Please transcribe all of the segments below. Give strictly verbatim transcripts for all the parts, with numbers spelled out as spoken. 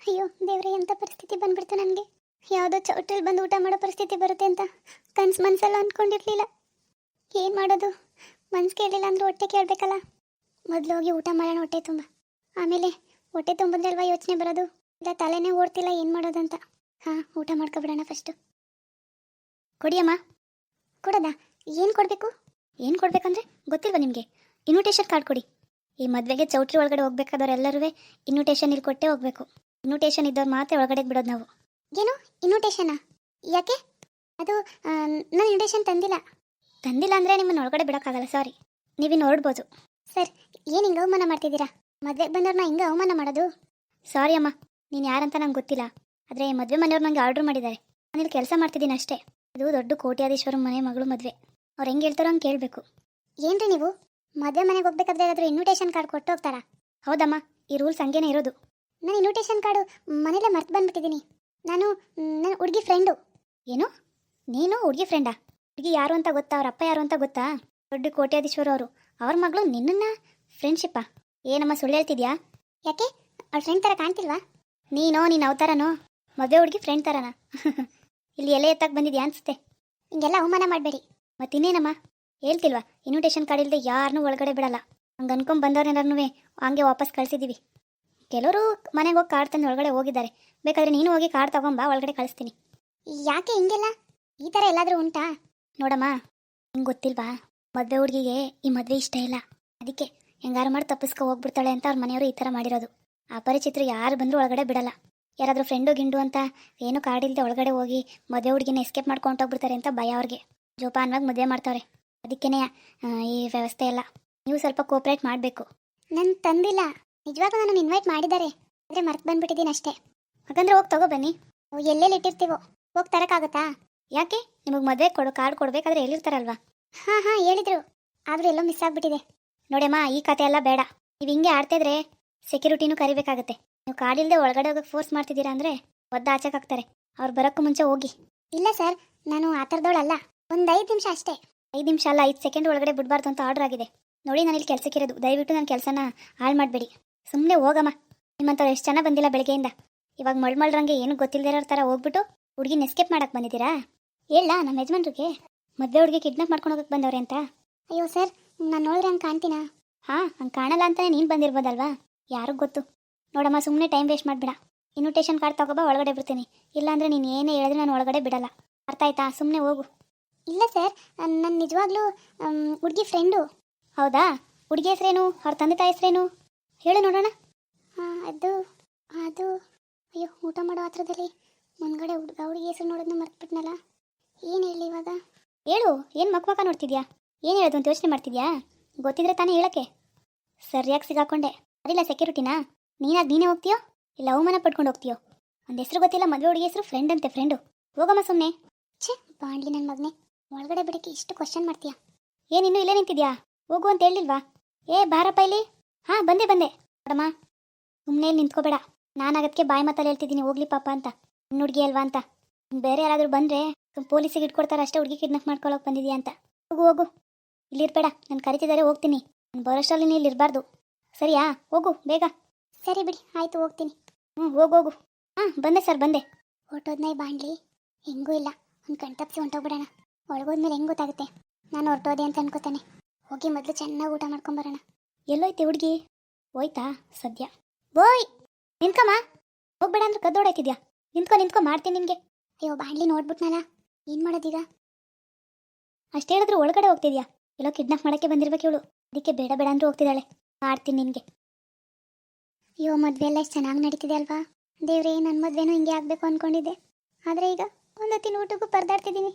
ಅಯ್ಯೋ ದೇವ್ರೆ, ಎಂಥ ಪರಿಸ್ಥಿತಿ ಬಂದ್ಬಿಡ್ತು ನನಗೆ. ಯಾವುದೋ ಚೌಟ್ರಲ್ಲಿ ಬಂದು ಊಟ ಮಾಡೋ ಪರಿಸ್ಥಿತಿ ಬರುತ್ತೆ ಅಂತ ಕನ್ಸು ಮನಸ್ಸೆಲ್ಲ ಅಂದ್ಕೊಂಡಿರ್ಲಿಲ್ಲ. ಏನು ಮಾಡೋದು, ಮನ್ಸು ಕೇಳಲಿಲ್ಲ ಅಂದ್ರೆ ಹೊಟ್ಟೆ ಕೇಳಬೇಕಲ್ಲ. ಮೊದಲು ಹೋಗಿ ಊಟ ಮಾಡೋಣ ಹೊಟ್ಟೆ ತುಂಬ, ಆಮೇಲೆ ಹೊಟ್ಟೆ ತುಂಬಿದ್ರೆ ಅಲ್ವಾ ಯೋಚನೆ ಬರೋದು. ಇಲ್ಲ ತಲೆನೇ ಓಡ್ತಿಲ್ಲ ಏನು ಮಾಡೋದಂತ. ಹಾಂ, ಊಟ ಮಾಡ್ಕೊಬಿಡೋಣ ಫಸ್ಟು. ಕೊಡಿಯಮ್ಮ. ಕೊಡೋದಾ? ಏನು ಕೊಡಬೇಕು? ಏನು ಕೊಡಬೇಕಂದ್ರೆ ಗೊತ್ತಿಲ್ವಾ ನಿಮಗೆ? ಇನ್ವಿಟೇಷನ್ ಕಾರ್ಡ್ ಕೊಡಿ. ಈ ಮದುವೆಗೆ ಚೌಟ್ರಿ ಒಳಗಡೆ ಹೋಗ್ಬೇಕಾದವ್ರೆಲ್ಲರೂ ಇನ್ವಿಟೇಷನ್ ಇಲ್ಲಿ ಕೊಟ್ಟೇ ಹೋಗಬೇಕು. ಇನ್ವಿಟೇಷನ್ ಇದ್ದವ್ರು ಮಾತ್ರ ಒಳಗಡೆ ಬಿಡೋದು ನಾವು. ಏನು ಇನ್ವಿಟೇಷನಾ? ಯಾಕೆ? ಅದು ನಾನು ಇನ್ವಿಟೇಷನ್ ತಂದಿಲ್ಲ. ತಂದಿಲ್ಲ ಅಂದರೆ ನಿಮ್ಮನ್ನು ಒಳಗಡೆ ಬಿಡೋಕ್ಕಾಗಲ್ಲ, ಸಾರಿ. ನೀವಿನ್ನು ಹೊರಡ್ಬೋದು. ಸರ್, ಏನು ಹಿಂಗೆ ಅವಮಾನ ಮಾಡ್ತಿದ್ದೀರಾ? ಮದುವೆಗೆ ಬಂದವ್ರನ್ನ ಹಿಂಗೆ ಅವಮಾನ ಮಾಡೋದು? ಸಾರಿ ಅಮ್ಮ, ನೀನು ಯಾರಂತ ನಂಗೆ ಗೊತ್ತಿಲ್ಲ. ಆದರೆ ಮದುವೆ ಮನೆಯವ್ರು ನನಗೆ ಆರ್ಡ್ರ್ ಮಾಡಿದ್ದಾರೆ. ನಾನಿಲ್ಲಿ ಕೆಲಸ ಮಾಡ್ತಿದ್ದೀನಿ ಅಷ್ಟೇ. ಇದು ದೊಡ್ಡ ಕೋಟ್ಯಾಧೀಶ್ವರ ಮನೆ ಮಗಳು ಮದುವೆ. ಅವ್ರು ಹೆಂಗೆ ಹೇಳ್ತಾರೋ ಹಂಗೆ ಕೇಳಬೇಕು. ಏನ್ರಿ ನೀವು ಮದುವೆ ಮನೆಗೆ ಹೋಗ್ಬೇಕಾದ್ರೆ ಏನಾದರೂ ಇನ್ವಿಟೇಷನ್ ಕಾರ್ಡ್ ಕೊಟ್ಟು ಹೋಗ್ತಾರಾ? ಹೌದಮ್ಮ, ಈ ರೂಲ್ಸ್ ಹಂಗೇನೆ ಇರೋದು. ನಾನು ಇನ್ವಿಟೇಷನ್ ಕಾರ್ಡು ಮನೇಲೆ ಮರ್ತು ಬಂದ್ಬಿಟ್ಟಿದ್ದೀನಿ. ನಾನು ನನ್ನ ಹುಡುಗಿ ಫ್ರೆಂಡು. ಏನು? ನೀನು ಹುಡುಗಿ ಫ್ರೆಂಡಾ? ಹುಡುಗಿ ಯಾರು ಅಂತ ಗೊತ್ತಾ? ಅವ್ರ ಅಪ್ಪ ಯಾರು ಅಂತ ಗೊತ್ತಾ? ದೊಡ್ಡ ಕೋಟ್ಯಾಧೀಶ್ವರ ಅವರು. ಅವ್ರ ಮಗಳು ನಿನ್ನನ್ನು ಫ್ರೆಂಡ್ಶಿಪ್ಪಾ? ಏನಮ್ಮ ಸುಳ್ಳು ಹೇಳ್ತಿದ್ಯಾ? ಯಾಕೆ, ಅವ್ಳ ಫ್ರೆಂಡ್ ಥರ ಕಾಣ್ತಿಲ್ವಾ? ನೀನೋ ನಿನ್ನ ಅವತಾರನೋ ಮದುವೆ ಹುಡುಗಿ ಫ್ರೆಂಡ್ ಥರನಾ? ಇಲ್ಲಿ ಎಲೆ ಎತ್ತಕ್ಕೆ ಬಂದಿದ್ಯಾ ಅನಿಸುತ್ತೆ. ಹಿಂಗೆಲ್ಲ ಅವಮಾನ ಮಾಡಬೇಡಿ. ಮತ್ತಿನ್ನೇನಮ್ಮ ಹೇಳ್ತಿಲ್ವಾ? ಇನ್ವಿಟೇಷನ್ ಕಾರ್ಡ್ ಇಲ್ಲದೆ ಯಾರನ್ನೂ ಒಳಗಡೆ ಬಿಡಲ್ಲ. ಹಂಗೆ ಅನ್ಕೊಂಡ್ ಬಂದವ್ರೆಲ್ಲರೂ ಹಂಗೆ ವಾಪಸ್ ಕಳಿಸಿದ್ದೀವಿ. ಕೆಲವರು ಮನೆಗೆ ಹೋಗಿ ಕಾರ್ಡ್ ತಂದು ಒಳಗಡೆ ಹೋಗಿದ್ದಾರೆ. ಬೇಕಾದರೆ ನೀನು ಹೋಗಿ ಕಾರ್ಡ್ ತಗೊಂಬಾ, ಒಳಗಡೆ ಕಳಿಸ್ತೀನಿ. ಯಾಕೆ ಹಿಂಗೆಲ್ಲ? ಈ ಥರ ಎಲ್ಲಾದರೂ ಉಂಟಾ? ನೋಡಮ್ಮ, ನಿಂಗೆ ಗೊತ್ತಿಲ್ವಾ, ಮದುವೆ ಹುಡುಗಿಗೆ ಈ ಮದುವೆ ಇಷ್ಟ ಇಲ್ಲ. ಅದಕ್ಕೆ ಹೆಂಗಾರು ಮಾಡಿ ತಪ್ಪಿಸ್ಕೊ ಹೋಗ್ಬಿಡ್ತಾಳೆ ಅಂತ ಅವ್ರ ಮನೆಯವರು ಈ ಥರ ಮಾಡಿರೋದು. ಅಪರಿಚಿತರು ಯಾರು ಬಂದರೂ ಒಳಗಡೆ ಬಿಡಲ್ಲ. ಯಾರಾದರೂ ಫ್ರೆಂಡು ಗಿಂಡು ಅಂತ ಏನು ಕಾರ್ಡ್ ಇಲ್ಲದೆ ಒಳಗಡೆ ಹೋಗಿ ಮದುವೆ ಹುಡುಗಿನ ಎಸ್ಕೇಪ್ ಮಾಡ್ಕೊಂಡು ಹೋಗ್ಬಿಡ್ತಾರೆ ಅಂತ ಭಯ ಅವ್ರಿಗೆ. ಜೋಪಾನವಾಗಿ ಮದುವೆ ಮಾಡ್ತಾವ್ರೆ. ಅದಕ್ಕೇ ಈ ವ್ಯವಸ್ಥೆ ಎಲ್ಲ. ನೀವು ಸ್ವಲ್ಪ ಕೋಪ್ರೇಟ್ ಮಾಡಬೇಕು. ನಾನು ತಂದಿಲ್ಲ, ನಿಜವಾಗೂ ನಾನು ಇನ್ವೈಟ್ ಮಾಡಿದ್ದಾರೆ, ಆದರೆ ಮರ್ತು ಬಂದ್ಬಿಟ್ಟಿದ್ದೀನಿ ಅಷ್ಟೇ. ಹಾಗಂದ್ರೆ ಹೋಗಿ ತಗೋ ಬನ್ನಿ. ಎಲ್ಲೆಲ್ಲಿ ಇಟ್ಟಿರ್ತೀವೋ ಹೋಗಿ ತರೋಕ್ಕಾಗತ್ತಾ? ಯಾಕೆ, ನಿಮಗೆ ಮದುವೆ ಕೊಡು ಕಾರ್ಡ್ ಕೊಡಬೇಕಾದ್ರೆ ಎಲ್ಲಿರ್ತಾರಲ್ವಾ? ಹಾಂ ಹಾಂ ಹೇಳಿದ್ರು, ಆದರೂ ಎಲ್ಲೋ ಮಿಸ್ ಆಗಿಬಿಟ್ಟಿದೆ. ನೋಡಮ್ಮ, ಈ ಕತೆ ಎಲ್ಲ ಬೇಡ. ನೀವು ಹಿಂಗೆ ಆಡ್ತಿದ್ರೆ ಸೆಕ್ಯೂರಿಟಿನೂ ಕರಿಬೇಕಾಗತ್ತೆ. ನೀವು ಕಾರ್ಡ್ ಇಲ್ಲದೆ ಒಳಗಡೆ ಹೋಗೋಕೆ ಫೋರ್ಸ್ ಮಾಡ್ತಿದ್ದೀರಾ ಅಂದರೆ ಒದ್ದು ಆಚೆಗಾಗ್ತಾರೆ. ಅವ್ರು ಬರೋಕ್ಕೂ ಮುಂಚೆ ಹೋಗಿ. ಇಲ್ಲ ಸರ್, ನಾನು ಆ ಥರದವಳಲ್ಲ. ಒಂದು ಐದು ನಿಮಿಷ ಅಷ್ಟೇ. ಐದು ನಿಮಿಷ ಅಲ್ಲ, ಐದು ಸೆಕೆಂಡ್ ಒಳಗಡೆ ಬಿಡಬಾರ್ದು ಅಂತ ಆರ್ಡರ್ ಆಗಿದೆ. ನೋಡಿ, ನಾನು ಇಲ್ಲಿ ಕೆಲಸಕ್ಕಿರೋದು. ದಯವಿಟ್ಟು ನನ್ನ ಕೆಲಸನ ಹಾಳು ಮಾಡಬೇಡಿ. ಸುಮ್ಮನೆ ಹೋಗಮ್ಮ. ನಿಮ್ಮಂಥವ್ರು ಎಷ್ಟು ಜನ ಬಂದಿಲ್ಲ ಬೆಳಗ್ಗೆಯಿಂದ. ಇವಾಗ ಮಳ್ಮಳ್ರಂಗೆ ಏನು ಗೊತ್ತಿಲ್ಲದಿರೋ ಥರ ಹೋಗ್ಬಿಟ್ಟು ಹುಡುಗಿನ ಎಸ್ಕೇಪ್ ಮಾಡಕ್ಕೆ ಬಂದಿದ್ದೀರಾ? ಹೇಳ ನಮ್ಮ ಯಜಮಾನ್ರಿಗೆ ಮದುವೆ ಹುಡುಗಿ ಕಿಡ್ನಾಪ್ ಮಾಡ್ಕೊಂಡು ಹೋಗಕ್ಕೆ ಬಂದವ್ರೆ ಅಂತ. ಅಯ್ಯೋ ಸರ್, ನಾನು ನೋಡಿದ್ರೆ ಹಂಗೆ ಕಾಣ್ತೀನಾ? ಹಾಂ, ಹಂಗೆ ಕಾಣಲ್ಲ ಅಂತಲೇ ನೀನು ಬಂದಿರ್ಬೋದಲ್ವಾ? ಯಾರಿಗೂ ಗೊತ್ತು. ನೋಡಮ್ಮ, ಸುಮ್ಮನೆ ಟೈಮ್ ವೇಸ್ಟ್ ಮಾಡಿಬಿಡ. ಇನ್ವಿಟೇಷನ್ ಕಾರ್ಡ್ ತಗೋಬಾ, ಒಳಗಡೆ ಬಿಡ್ತೀನಿ. ಇಲ್ಲಾಂದರೆ ನೀನು ಏನೇ ಹೇಳಿದ್ರೆ ನಾನು ಒಳಗಡೆ ಬಿಡಲ್ಲ. ಅರ್ಥ ಆಯ್ತಾ? ಸುಮ್ಮನೆ ಹೋಗು. ಇಲ್ಲ ಸರ್, ನನ್ನ ನಿಜವಾಗ್ಲೂ ಹುಡುಗಿ ಫ್ರೆಂಡು. ಹೌದಾ? ಹುಡುಗಿ ಹೆಸ್ರೇನು? ಅವ್ರ ತಂದೆ ತಾಯಿ ಹೆಸ್ರೇನು ಹೇಳು ನೋಡೋಣ. ಹಾಂ, ಅದು ಅದು ಅಯ್ಯೋ, ಊಟ ಮಾಡೋ ಹತ್ರದಲ್ಲಿ ಮುಂದ್ಗಡೆ ಹುಡುಗ ಹುಡುಗಿ ಹೆಸರು ನೋಡೋದನ್ನ ಮರ್ತ್ಬಿಟ್ನಲ್ಲ. ಏನು ಹೇಳಿ ಇವಾಗ? ಹೇಳು. ಏನು ಮಕ್ಕ ಮಕ್ಕ ನೋಡ್ತಿದ್ಯಾ? ಏನು ಹೇಳೋದು ಅಂತ ಯೋಚನೆ ಮಾಡ್ತಿದ್ಯಾ? ಗೊತ್ತಿದ್ರೆ ತಾನೇ ಹೇಳೋಕ್ಕೆ. ಸರಿಯಾಗಿ ಸಿಗಾಕೊಂಡೆ. ಅದಿಲ್ಲ ಸೆಕ್ಯೂರಿಟಿನಾ? ನೀನಾಗಿ ನೀನೇ ಹೋಗ್ತೀಯೋ ಇಲ್ಲ ಅವಮಾನ ಪಡ್ಕೊಂಡು ಹೋಗ್ತೀಯೋ? ಒಂದು ಹೆಸರು ಗೊತ್ತಿಲ್ಲ, ಮದುವೆ ಹುಡುಗಿ ಹೆಸರು ಫ್ರೆಂಡ್ ಅಂತೆ. ಫ್ರೆಂಡು. ಹೋಗಮ್ಮ ಸುಮ್ಮನೆ. ಛೇ, ಬಾಂಡ್ಲಿ ನನ್ನ ಮಗನೇ, ಒಳಗಡೆ ಬಿಡೋಕ್ಕೆ ಇಷ್ಟು ಕ್ವಶನ್ ಮಾಡ್ತೀಯಾ? ಏನಿನ್ನೂ ಇಲ್ಲೇ ನಿಂತಿದ್ಯಾ? ಹೋಗು ಅಂತ ಹೇಳಿಲ್ವಾ? ಏ ಬಾರಪ್ಪ ಇಲ್ಲಿ. ಹಾಂ, ಬಂದೆ ಬಂದೆ. ನೋಡಮ್ಮ, ಸುಮ್ಮನೆ ನಿಂತ್ಕೋಬೇಡ. ನಾನು ಅದಕ್ಕೆ ಬಾಯಿ ಮಾತಲ್ಲಿ ಹೇಳ್ತಿದ್ದೀನಿ ಹೋಗ್ಲಿ ಪಾಪ ಅಂತ. ಇನ್ನು ಹುಡುಗಿ ಅಲ್ವಾ ಅಂತ. ಬೇರೆ ಯಾರಾದರೂ ಬಂದರೆ ಪೊಲೀಸಿಗೆ ಇಟ್ಕೊಡ್ತಾರೆ ಅಷ್ಟೇ, ಹುಡುಗಿ ಕಿಡ್ನಾಪ್ ಮಾಡ್ಕೊಳ್ಳೋಕೆ ಬಂದಿದ್ಯಾ ಅಂತ. ಹೋಗು ಹೋಗು, ಇಲ್ಲಿರ್ಬೇಡ. ನಾನು ಕರಿತಿದ್ದಾರೆ, ಹೋಗ್ತೀನಿ. ನಾನು ಬರೋಷ್ಟರಲ್ಲಿ ನೀನು ಇಲ್ಲಿರಬಾರ್ದು, ಸರಿಯಾ? ಹೋಗು ಬೇಗ. ಸರಿ ಬಿಡಿ, ಆಯಿತು, ಹೋಗ್ತೀನಿ. ಹ್ಞೂ ಹೋಗು ಹೋಗು. ಹಾಂ, ಬಂದೆ ಸರ್, ಬಂದೆ. ಹೊರಟೋದ್ನ ಬಾಂಡ್ಲಿ? ಹೆಂಗೂ ಇಲ್ಲ, ಒಂದು ಕಣ್ತಪ್ಸಿ ಹೊಂಟೋಗ್ಬಿಡೋಣ. ಒಳಗೋದ್ಮೇಲೆ ಹೆಂಗೆ ಗೊತ್ತಾಗುತ್ತೆ ನಾನು ಹೊರಟೋದೆ ಅಂತ ಅನ್ಕೋತಾನೆ. ಹೋಗಿ ಮೊದಲು ಚೆನ್ನಾಗಿ ಊಟ ಮಾಡ್ಕೊಂಬರೋಣ. ಎಲ್ಲೋಯ್ತೆ ಹುಡುಗಿ? ಹೋಯ್ತಾ ಸದ್ಯ? ಬೋಯ್, ನಿಂತ್ಕಮ್ಮ. ಹೋಗ್ಬೇಡ ಅಂದ್ರೆ ಕದ್ದೋಡಾಯ್ತಿದ್ಯಾ? ನಿಂತ್ಕೊ ನಿಂತ್ಕೊ, ಮಾಡ್ತೀನಿ ನಿನಗೆ. ಅಯ್ಯೋ ಬಾಂಡ್ಲಿ, ನೋಡ್ಬಿಟ್ನಲ್ಲ, ಏನು ಮಾಡೋದೀಗ? ಅಷ್ಟು ಹೇಳಿದ್ರು ಒಳಗಡೆ ಹೋಗ್ತಿದ್ಯಾ? ಎಲ್ಲೋ ಕಿಡ್ನಾಪ್ ಮಾಡೋಕ್ಕೆ ಬಂದಿರ್ಬೇಕು ಇವಳು. ಅದಕ್ಕೆ ಬೇಡ ಬೇಡ ಅಂದ್ರೂ ಹೋಗ್ತಿದ್ದಾಳೆ. ಮಾಡ್ತೀನಿ ನಿನಗೆ. ಅಯ್ಯೋ, ಮದುವೆ ಎಲ್ಲ ಎಷ್ಟು ಚೆನ್ನಾಗಿ ನಡೀತಿದೆ ಅಲ್ವಾ? ದೇವ್ರೇ, ನನ್ನ ಮದುವೆನೂ ಹಿಂಗೆ ಆಗಬೇಕು ಅಂದ್ಕೊಂಡಿದ್ದೆ. ಆದರೆ ಈಗ ಒಂದು ಹೊತ್ತಿನ ಊಟಕ್ಕೂ ಪರದಾಡ್ತಿದ್ದೀನಿ.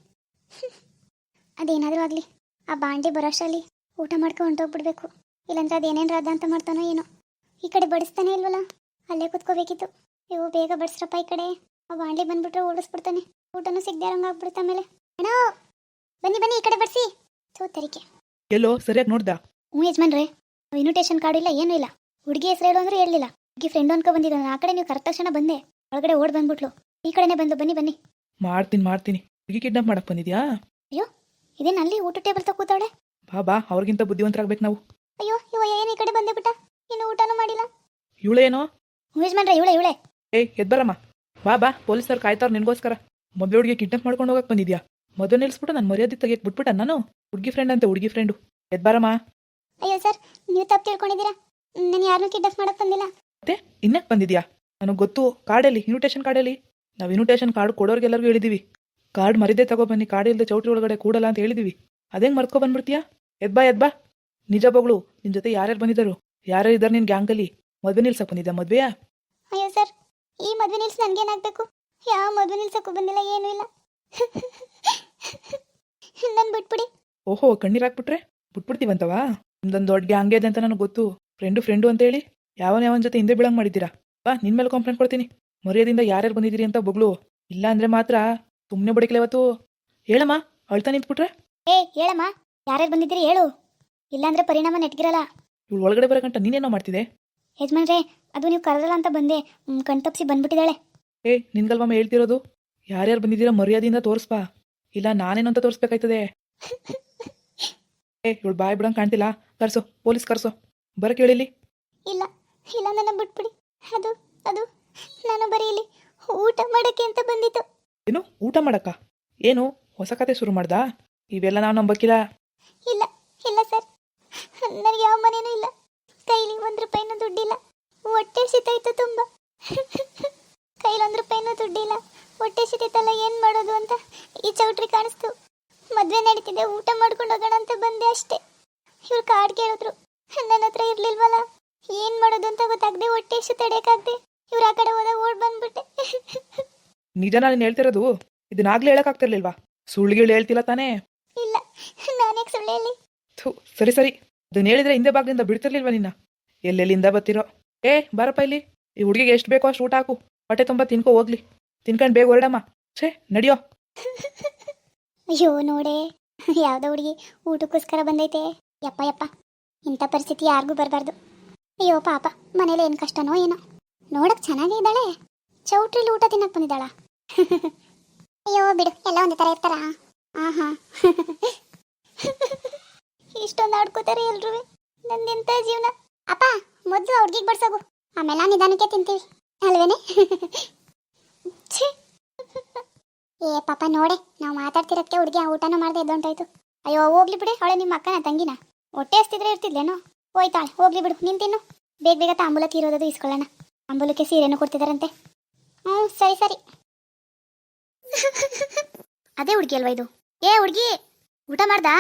ಅದೇನಾದರೂ ಆಗಲಿ, ಆ ಬಾಂಡೆ ಬರೋಷ್ಟರಲ್ಲಿ ಊಟ ಮಾಡ್ಕೊಂಡು ಹೊಂಟೋಗ್ಬಿಡ್ಬೇಕು. ಇಲ್ಲಾಂದ್ರೆ ಅದೇನೇನು ರಾಧ ಅಂತ ಮಾಡ್ತಾನೋ ಏನೋ. ಈ ಕಡೆ ಬಡಿಸ್ತಾನೆ ಇಲ್ವಲ್ಲ, ಅಲ್ಲೇ ಕೂತ್ಕೋಬೇಕಿತ್ತು. ಇವು ಬೇಗ ಬಡಿಸ್ರಪ್ಪ ಈ ಕಡೆ. ಆ ಬಾಂಡೆ ಬಂದ್ಬಿಟ್ರೆ ಓಡಿಸ್ಬಿಡ್ತಾನೆ. ಊಟನೂ ಸಿಗದೆ ಇರಂಗೆ ಆಗ್ಬಿಡುತ್ತೆ ಆಮೇಲೆ. ಅಣ್ಣ, ಬನ್ನಿ ಬನ್ನಿ, ಈ ಕಡೆ ಬಡಿಸಿ. ಥೂ ತರಿಕೆ. ಎಲ್ಲೋ ಸರಿಯಾಗಿ ನೋಡ್ದ? ಹ್ಞೂ ಯಜಮಾನ್ರೆ, ಇನ್ವಿಟೇಷನ್ ಕಾರ್ಡ್ ಇಲ್ಲ, ಏನೂ ಇಲ್ಲ. ಹುಡುಗಿ ಹೆಸರು ಹೇಳು ಅಂದ್ರೆ ಹೇಳಲಿಲ್ಲ. ಹುಡುಗಿ ಫ್ರೆಂಡ್ ಅನ್ಕೊ ಬಂದಿದ್ದಾನೆ. ಆ ಕಡೆ ನೀವು ಕರೆಕ್ಟ್ ತಕ್ಷಣ ಬಂದೆ, ಒಳಗಡೆ ಓಡ್ ಬಂದ್ಬಿಟ್ಲು. ಈ ಕಡೆನೇ ಬಂದು. ಬನ್ನಿ ಬನ್ನಿ. ಮಾಡ್ತೀನಿ ಮಾಡ್ತೀನಿ. ಹುಡುಗಿ ಕಿಡ್ನಾಪ್ ಮಾಡಕ್ ಬಂದಿದ್ಯಾ? ಅಯ್ಯೋ, ಇದೇನು ಅಲ್ಲಿ ಊಟ ಟೇಬಲ್ ತಗ ಕೂತಾವಳೆ? ಬಾ ಬಾ, ಅವ್ರಿಗಿಂತ ಬುದ್ಧಿವಂತರಾಗ್ಬೇಕು ನಾವು. ಅಯ್ಯೋ, ಇವ ಏನು ಈ ಕಡೆ ಬಂದೆ ಬಿಟ್ಟ, ಇನ್ನು ಊಟನೂ ಮಾಡಿಲ್ಲ. ಇವಳೇನೋ? ಯಜಮಾನ್ರೆ, ಇವಳೆ ಇವಳೆ ಏಯ್ ಎದ್ಬರಮ್ಮ. ಬಾ ಬಾ, ಪೊಲೀಸರು ಕಾಯ್ತಾವ್ರು ನಿನ್ಗೋಸ್ಕರ. ಮೊದಲು ಹುಡುಗಿ ಕಿಡ್ನಾಪ್ ಮಾಡ್ಕೊಂಡು ಹೋಗಕ್ಕೆ ಬಂದಿದ್ಯಾ? ಮೊದಲು ನಿಲ್ಸ್ಬಿಟ್ಟು ನಾನು ಮರ್ಯಾದೆ ತೆಗಿಯಕ್ಕೆ ಬಿಟ್ಬಿಟ್ಟ ನಾನು? ಹುಡುಗಿ ಫ್ರೆಂಡ್ ಅಂತ ಹುಡುಗಿ ಫ್ರೆಂಡು. ಎದ್ಬಾರಮ್ಮ. ಅಯ್ಯೋ ಸರ್, ನೀವು ತಪ್ಪು ತಿಳ್ಕೊಂಡಿದ್ದೀರಾ. ನಾನು ಯಾರನ್ನೂ ಕಿಡ್ನಾಪ್ ಮಾಡಕ್ಕೆ ಬಂದಿಲ್ಲ. ಮತ್ತೆ ಇನ್ನಕ್ಕೆ ಬಂದಿದ್ಯಾ? ನನಗೆ ಗೊತ್ತು. ಕಾರ್ಡಲ್ಲಿ, ಇನ್ವಿಟೇಷನ್ ಕಾರ್ಡಲ್ಲಿ ನಾವು ಇನ್ವಿಟೇಷನ್ ಕಾರ್ಡ್ ಕೊಡೋರ್ಗೆಲ್ಲರಿಗೂ ಹೇಳಿದೀವಿ, ಕಾರ್ಡ್ ಮರಿದೇ ತಗೊಬನ್ನಿ, ಕಾರ್ಡ್ ಇಲ್ಲದೆ ಚೌಟ್ರಿ ಒಳಗಡೆ ಕೂಡಲ್ಲ ಅಂತ ಹೇಳಿದೀವಿ. ಅದೇಂಗೆ ಮರ್ಕೊ ಬಂದ್ಬಿಡ್ತೀಯಾ? ಎದ್ಬಾ ಎದ್ಬಾ. ನಿಜ ಬಗಳು, ನಿನ್ನ ಜೊತೆ ಯಾರ್ಯಾರು ಬಂದಿದ್ದರು, ಯಾರ್ಯಾರು ಇದ್ದಾರೆ ನಿನ್ನ ಗ್ಯಾಂಗಲ್ಲಿ? ಮದುವೆ ನಿಲ್ಸಕ್ಕೆ ಬಂದಿದ್ದ? ಮದುವೆಯಾ? ಅಯ್ಯೋ ಸರ್, ಈ ಮದುವೆ ನಿಲ್ಸಿ ನನಗೇನಾಗಬೇಕು? ಯಾವ ಮದುವೆ ನಿಲ್ಸಕ್ಕೂ ಬಂದಿಲ್ಲ, ಏನೂ ಇಲ್ಲ. ನನ್ನ ಬಿಟ್ಬಿಡಿ. ಓಹೋ, ಕಣ್ಣೀರು ಹಾಕ್ಬಿಟ್ರೆ ಬಿಟ್ಬಿಡ್ತೀವಂತವಾ? ನಿಮ್ದೊಂದು ದೊಡ್ಡ ಗ್ಯಾಂಗ್ ಇದೆ ಅಂತ ನನಗೆ ಗೊತ್ತು. ಫ್ರೆಂಡು ಫ್ರೆಂಡು ಅಂತ ಹೇಳಿ ಯಾವನ ಯಾವನ ಜೊತೆ ಹಿಂದೆ ಬೀಳಂಗೆ ಮಾಡಿದ್ದೀರಾ? ಬಾ, ನಿನ್ನ ಮೇಲೆ ಕಂಪ್ಲೇಂಟ್ ಕೊಡ್ತೀನಿ. ಮರ್ಯಾದಿಂದ ಯಾರ್ಯಾರು ಬಂದಿದ್ದೀರಿ ಅಂತ ಬೊಗಳು. ಇಲ್ಲ ಅಂದರೆ ಮಾತ್ರ ಸುಮ್ಮನೆ ಬಡಿಕಲೆ ಇವತ್ತು. ಹೇಳಮ್ಮ, ಅಳ್ತಾ ನಿಂತ್ಬಿಟ್ರೆ. ಏ ಹೇಳಮ್ಮ, ಯಾರ್ಯಾರು ಬಂದಿದ್ದೀರಿ ಹೇಳು, ಇಲ್ಲಾಂದ್ರೆ ಪರಿಣಾಮ ನೆಟ್ಗಿರಲ್ಲ. ಇವಳು ಒಳಗಡೆ ಬರೋಕಂಟ ನೀನೇನೋ ಮಾಡ್ತಿದ್ದೆ? ಯಜಮಾನ್ರೆ, ಅದು ನೀವು ಕರೆದಲ್ಲ ಅಂತ ಬಂದೆ, ಕಣ್ತಪ್ಸಿ ಬಂದ್ಬಿಟ್ಟಿದ್ದಾಳೆ. ಏ ನಿನ್ಗಲ್ವಮ್ಮ ಹೇಳ್ತಿರೋದು, ಯಾರ್ಯಾರು ಬಂದಿದ್ದೀರಾ ಮರ್ಯಾದೆಯಿಂದ ತೋರಿಸ್ಬಾ, ಇಲ್ಲ ನಾನೇನು ಅಂತ ತೋರಿಸ್ಬೇಕಾಯ್ತದೆ. ಏ ಇವಳು ಬಾಯ್ ಬಿಡಂಗೆ ಕಾಣ್ತಿಲ್ಲ, ಕರ್ಸೋ, ಪೊಲೀಸ್ ಕರ್ಸೋ, ಬರಕ್ಕೆ ಹೇಳಿಲಿ. ಇಲ್ಲ ಇಲ್ಲ, ನನ್ನ ಬಿಟ್ಬಿಡಿ. ಅದು ಅದು ನಾನು ಬರೀ ಇಲ್ಲಿ ಊಟ ಮಾಡೋಕ್ಕೆ ಅಂತ ಬಂದಿತ್ತು. ಏನು ಊಟ ಮಾಡಕ್ಕ? ಏನು ಹೊಸ ಕತೆ ಶುರು ಮಾಡ್ದಾ? ಇವೆಲ್ಲ ನಾವು ನಂಬಕ್ಕಿಲ್ಲ. ಇಲ್ಲ ಇಲ್ಲ ಸರ್, ನನಗೆ ಯಾವ ಮನೇನೂ ಇಲ್ಲ, ಕೈಲಿ ಒಂದು ರೂಪಾಯಿನೂ ದುಡ್ಡಿಲ್ಲ, ಹೊಟ್ಟೆ ಸಿತಾಯ್ತು ತುಂಬ. ಕೈಲಿ ಒಂದು ರೂಪಾಯಿನೂ ದುಡ್ಡಿಲ್ಲ, ಹೊಟ್ಟೆ ಸಿತೈತಲ್ಲ, ಏನು ಮಾಡೋದು ಅಂತ ಈ ಚೌಟ್ರಿ ಕಾಣಿಸ್ತು. ಮದುವೆ ನಡೀತಿದೆ, ಊಟ ಮಾಡ್ಕೊಂಡು ಹೋಗೋಣ ಅಂತ ಬಂದೆ ಅಷ್ಟೇ. ಇವ್ರು ಕಾರ್ಡ್ ಕೇಳಿದ್ರು, ನನ್ನ ಹತ್ರ ಇರ್ಲಿಲ್ವಲ್ಲ, ಏನು ಮಾಡೋದು ಅಂತ ಗೊತ್ತಾಗದೆ ಹೊಟ್ಟೆ ಎಷ್ಟು ತಡೆಯೋಕ್ಕಾಗದೆ ಇವ್ರು ಆ ಕಡೆ ಹೋದಾಗ ಓಡ್ ಬಂದ್ಬಿಟ್ಟೆ. ನಿಜನಾ ನೀನು ಹೇಳ್ತಿರೋದು? ಇದನ್ನಾಗ್ಲೇ ಹೇಳಕ್ಕಾಗ್ತಿರ್ಲಿಲ್ವಾ? ಸುಳ್ಳುಗಳು ಹೇಳ್ತಿಲ್ಲ ತಾನೇ? ಇಲ್ಲ, ನಾನೇ ಸುಳ್ಳು ಹೇಳಿ. ಥೂ, ಸರಿ ಸರಿ, ಅದನ್ನ ಹೇಳಿದ್ರೆ ಹಿಂದೆ ಬಾಗ್ಲಿಂದ ಬಿಡ್ತಿರ್ಲಿಲ್ವಾ ನಿನ್ನ? ಎಲ್ಲೆಲ್ಲಿಂದ ಬರ್ತಿರೋ? ಏ ಬಾರಪ್ಪ ಇಲ್ಲಿ, ಈ ಹುಡುಗಿಗೆ ಎಷ್ಟು ಬೇಕೋ ಅಷ್ಟು ಊಟ ಹಾಕು, ಹೊಟ್ಟೆ ತುಂಬ ತಿನ್ಕೋ ಹೋಗ್ಲಿ. ತಿನ್ಕೊಂಡು ಬೇಗ ಹೊರಡಮ್ಮ. ಛೇ ನಡಿಯೋ. ಅಯ್ಯೋ ನೋಡೆ, ಯಾವುದೋ ಹುಡುಗಿ ಊಟಕ್ಕೋಸ್ಕರ ಬಂದೈತೆ. ಯಪ್ಪ ಯಪ್ಪ, ಇಂಥ ಪರಿಸ್ಥಿತಿ ಯಾರಿಗೂ ಬರಬಾರ್ದು. ಅಯ್ಯೋ ಪಾಪ, ಮನೇಲಿ ಏನು ಕಷ್ಟನೋ ಏನೋ. ನೋಡಕ್ ಚೆನ್ನಾಗೇ ಇದ್ದಾಳೆ, ಚೌಟ್ರಿಲಿ ಊಟ ತಿನ್ನಕ್ ಬಂದಿದ್ದಾಳ. ಅಯ್ಯೋ ಬಿಡು, ಎಲ್ಲ ಒಂದೇ ಥರ ಇರ್ತಾರ. ಆ ಹಾ, ಇಷ್ಟೊಂದು ಆಡ್ಕೋತಾರೆ ಎಲ್ರೂ. ನಂದೆಂಥ ಜೀವನ. ಅಪ್ಪ, ಮೊದಲು ಹುಡುಗಿಗೆ ಬಡ್ಸೋಗು, ಆಮೇಲೆ ನಿಧಾನಕ್ಕೆ ತಿಂತೀವಿ ಅಲ್ವೇನೆ? ಛೇ, ಏ ಪಾಪ ನೋಡೆ, ನಾವು ಮಾತಾಡ್ತಿರೋದಕ್ಕೆ ಹುಡುಗಿ ಆ ಊಟನೂ ಮಾಡದೆ ಎದ್ದೊಂಟಾಯ್ತು. ಅಯ್ಯೋ ಹೋಗ್ಲಿ ಬಿಡಿ, ಅವಳೆ ನಿಮ್ಮ ಅಕ್ಕನ ತಂಗಿನ? ಹೊಟ್ಟೆ ಹಸ್ತಿದ್ರೆ ಇರ್ತಿದ್ಲೇನೋ, ಹೋಯ್ತಾಳೆ. ಹೋಗ್ಲಿ ಬಿಡು, ನೀನು ತಿನ್ನು. ಬೇಗ ಬೇಗ ತಾಂಬೂಲಕ್ಕೆ ಇರೋದು ಇಸ್ಕೊಳ್ಳೋಣ. ತಾಂಬೂಲಕ್ಕೆ ಸೀರೆನೂ ಕೊಡ್ತಿದಾರಂತೆ. ಹ್ಞೂ ಸರಿ ಸರಿ. ಅದೇ ಹುಡುಗಿ ಅಲ್ವಾ ಇದು? ಏ ಹುಡುಗಿ, ಊಟ ಮಾಡ್ದಾ?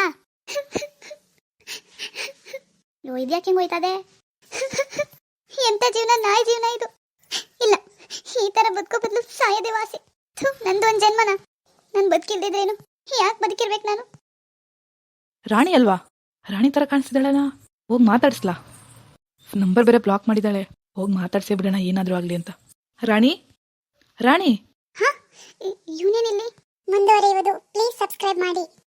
ಲೋ, ಇದ್ಯಾಕೆ ಹಿಂಗೆ ಹೋಯ್ತದೆ? ಎಂಥ ಜೀವನ, ನಾಯಿ ಜೀವನ ಇದು. ಇಲ್ಲ, ಈ ಥರ ಬದುಕೋ ಬದಲು ಸಾಯದೆ ವಾಸಿ. ಥು, ನಂದು ಒಂದು ಜನ್ಮನ, ನಾನು ಬದುಕಿಲ್ದಿದ್ರೇನು? ಯಾಕೆ ಬದುಕಿರ್ಬೇಕು ನಾನು? ರಾಣಿ ಅಲ್ವಾ? ರಾಣಿ ಥರ ಕಾಣಿಸ್ತಿದ್ದಾಳಲ್ಲ, ಹೋಗಿ ಮಾತಾಡಿಸ್ಲಾ? ನಂಬರ್ ಬೇರೆ ಬ್ಲಾಕ್ ಮಾಡಿದ್ದಾಳೆ, ಹೋಗಿ ಮಾತಾಡ್ಸೇ ಬಿಡೋಣ ಏನಾದರೂ ಆಗಲಿ ಅಂತ. ರಾಣಿ ರಾಣಿ ಹಾ, ಯೂನಿಯನ್ ಇಲ್ಲಿ ಮುಂದುವರಿಯುವುದು. ಪ್ಲೀಸ್ ಸಬ್ಸ್ಕ್ರೈಬ್ ಮಾಡಿ.